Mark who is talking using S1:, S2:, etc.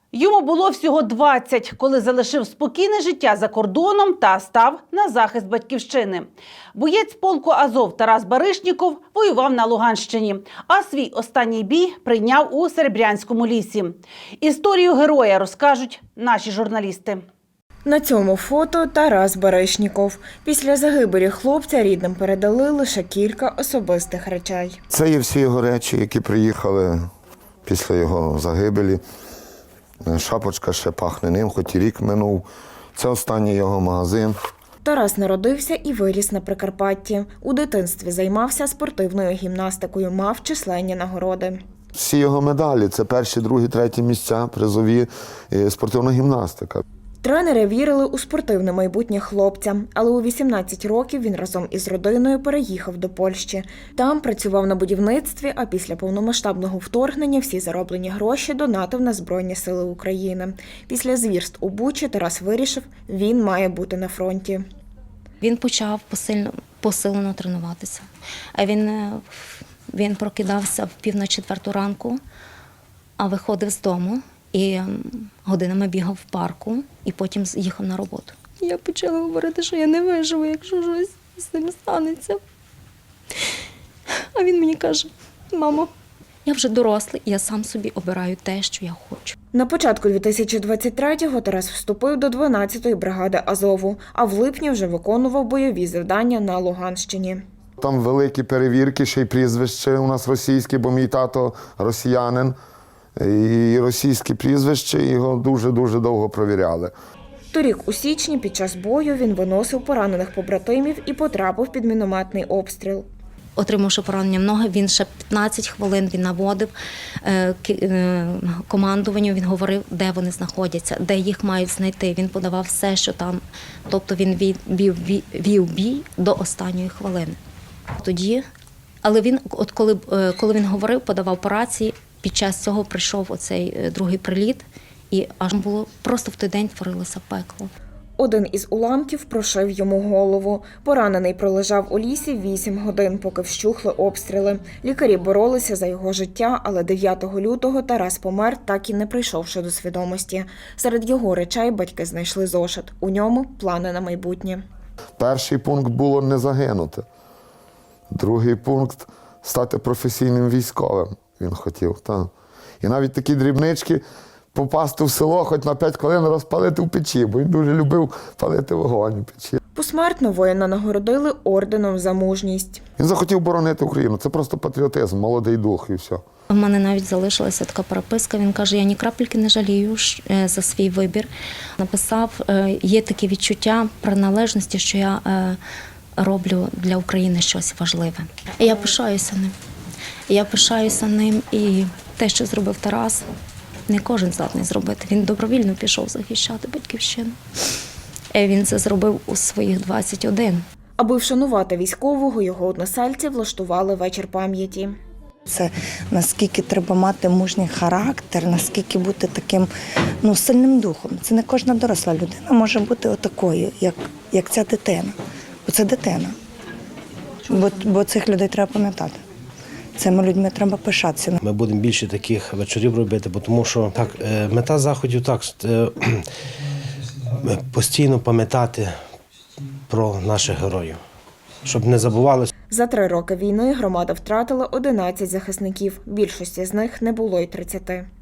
S1: Йому було всього 20, коли залишив спокійне життя за кордоном та став на захист батьківщини. Боєць полку «Азов» Тарас Баришніков воював на Луганщині, а свій останній бій прийняв у Серебрянському лісі. Історію героя розкажуть наші журналісти.
S2: На цьому фото Тарас Баришніков. Після загибелі хлопця рідним передали лише кілька особистих речей.
S3: Це є всі його речі, які приїхали після його загибелі. Шапочка ще пахне ним, хоч і рік минув. Це останній його магазин.
S2: Тарас народився і виріс на Прикарпатті. У дитинстві займався спортивною гімнастикою, мав численні нагороди.
S3: Всі його медалі – це перші, другі, треті місця, призові, спортивна гімнастика.
S2: Тренери вірили у спортивне майбутнє хлопця, але у 18 років він разом із родиною переїхав до Польщі. Там працював на будівництві, а після повномасштабного вторгнення всі зароблені гроші донатив на Збройні Сили України. Після звірств у Бучі Тарас вирішив, він має бути на фронті.
S4: Він почав посилено тренуватися. Він прокидався в 3:45 ранку, а виходив з дому. І годинами бігав в парку, і потім їхав на роботу. Я почала говорити, що я не виживу, якщо щось з ним станеться. А він мені каже: мамо, я вже дорослий, і я сам собі обираю те, що я хочу.
S2: На початку 2023-го Тарас вступив до 12-ї бригади Азову, а в липні вже виконував бойові завдання на Луганщині.
S3: Там великі перевірки, ще й прізвище у нас російське, бо мій тато росіянин. І російське прізвище, його дуже-дуже довго провіряли.
S2: Торік у січні під час бою він виносив поранених побратимів і потрапив під мінометний обстріл.
S4: Отримавши поранення в ноги, він ще 15 хвилин наводив командуванню, він говорив, де вони знаходяться, де їх мають знайти. Він подавав все, що там. Тобто він вів бій до останньої хвилини. Але він, коли він говорив, подавав по рації, під час цього прийшов оцей другий приліт, і аж було просто в той день творилося пекло.
S2: Один із уламків прошив йому голову. Поранений пролежав у лісі 8 годин, поки вщухли обстріли. Лікарі боролися за його життя, але 9 лютого Тарас помер, так і не прийшовши до свідомості. Серед його речей батьки знайшли зошит. У ньому плани на майбутнє.
S3: Перший пункт було не загинути. Другий пункт – стати професійним військовим. Він хотів, так. І навіть такі дрібнички – попасти в село, хоч на 5 хвилин розпалити в печі, бо він дуже любив палити вогонь у печі.
S2: Посмертно воїна нагородили орденом за мужність.
S3: Він захотів боронити Україну. Це просто патріотизм, молодий дух і все.
S4: У мене навіть залишилася така переписка. Він каже, я ні крапельки не жалію за свій вибір. Написав, є таке відчуття приналежності, що я роблю для України щось важливе. І я пишаюся ним. Я пишаюся ним, і те, що зробив Тарас, не кожен здатний зробити. Він добровільно пішов захищати батьківщину. Він це зробив у своїх 21.
S2: Аби вшанувати військового, його односельці влаштували вечір пам'яті.
S5: Це наскільки треба мати мужній характер, наскільки бути таким сильним духом. Це не кожна доросла людина може бути отакою, як ця дитина. Бо це дитина. Бо цих людей треба пам'ятати. Цими людьми треба пишатися.
S6: Ми будемо більше таких вечорів робити, тому що мета заходів постійно пам'ятати про наших героїв, щоб не забували.
S2: За 3 роки війни громада втратила 11 захисників. Більшості з них не було й 30.